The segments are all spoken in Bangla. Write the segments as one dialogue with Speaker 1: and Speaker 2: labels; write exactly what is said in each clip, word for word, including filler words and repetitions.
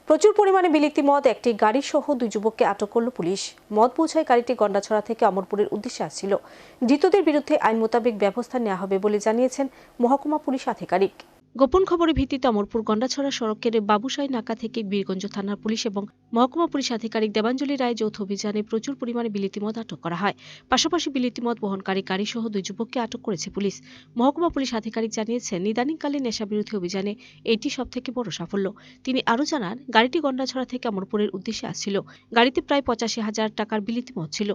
Speaker 1: প্রচুর পরিমাণে বিলিতি মদ একটি গাড়ি সহ দুই যুবককে আটক করল পুলিশ। মদ বোঝাই গাড়িটি গন্ডাছড়া থেকে অমরপুরের উদ্দেশ্যে আসছিল। ধৃতদের বিরুদ্ধে আইন মোতাবেক ব্যবস্থা নেওয়া হবে বলে জানিয়েছেন মহকুমা পুলিশ আধিকারিক। গোপন খবরের ভিত্তিতে অমরপুর গন্ডাছড়া সড়কের বাবুসাই নাকা থেকে বীরগঞ্জ থানার পুলিশ এবং মহকুমা পুলিশ আধিকারিক দেবাঞ্জলি রায় যৌথ অভিযানে প্রচুর পরিমাণে বিলিতি মদ আটক করা হয়। পাশাপাশি বিলিতি মদ বহনকারী গাড়ি সহ দুই যুবককে আটক করেছে পুলিশ। মহকুমা পুলিশ আধিকারিক জানিয়েছেন, নিদানিংকালীন নেশাবিরোধী অভিযানে এটি সবথেকে বড় সাফল্য। তিনি আরও জানান, গাড়িটি গন্ডাছড়া থেকে অমরপুরের উদ্দেশ্যে আসছিল। গাড়িতে প্রায় পঁচাশি হাজার টাকার বিলিতি মদ ছিল।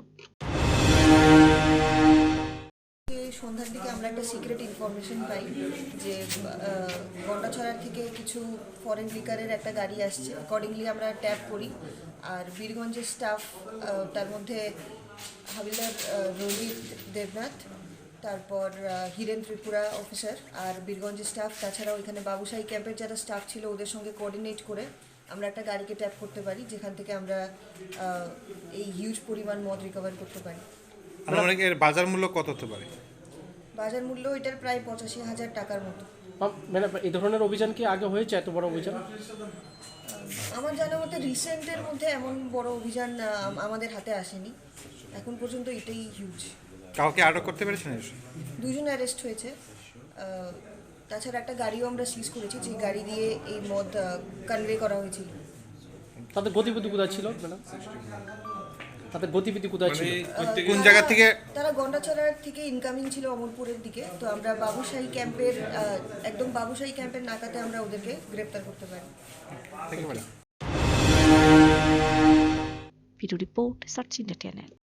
Speaker 2: সন্ধ্যার দিকে আমরা একটা সিক্রেট ইনফরমেশন পাই যে গন্ডাছড়ার থেকে কিছু ফরেন লিকারের একটা গাড়ি আসছে। অ্যাকর্ডিংলি আমরা ট্যাপ করি, আর বীরগঞ্জের স্টাফ, তার মধ্যে হাবিলদার রোহিত দেবনাথ, তারপর হিরেন ত্রিপুরা অফিসার আর বীরগঞ্জের স্টাফ, তাছাড়াও এখানে বাবুসাই ক্যাম্পের যারা স্টাফ ছিল ওদের সঙ্গে কোঅর্ডিনেট করে আমরা একটা গাড়িকে ট্যাপ করতে পারি, যেখান থেকে আমরা এই হিউজ পরিমাণ মদ রিকভার করতে পারি।
Speaker 3: এর বাজার মূল্য কত হতে পারে?
Speaker 2: বাজার মূল্য এটার প্রায় পঁচাশি হাজার টাকার মতো।
Speaker 4: ম্যাডাম, এই ধরনের অভিযান কি আগে হয়েছে, এত বড় অভিযান?
Speaker 2: আমার জানা মতে রিসেন্টের মধ্যে এমন বড় অভিযান আমাদের হাতে আসেনি এখন পর্যন্ত, এটাই হিউজ।
Speaker 3: কাউকে আটক করতে পেরেছেন?
Speaker 2: দুজন অ্যারেস্ট হয়েছে। তাছাড়া একটা গাড়িও আমরা সিজ করেছি, যে গাড়ি দিয়ে এই মদ কনভে করা হয়েছিল।
Speaker 4: তাদের গতিবিধি কোথায় ছিল ম্যাডাম? তাদের গতিবিধি কোথায় ছিল?
Speaker 3: কোন জায়গা থেকে?
Speaker 2: তারা গন্ডাছড়ার থেকে ইনকামিং ছিল অমরপুরের দিকে। তো আমরা বাবুসাই ক্যাম্পের একদম বাবুসাই ক্যাম্পের নাকাতে আমরা ওদেরকে গ্রেপ্তার করতে পারি।
Speaker 1: Video report search India channel.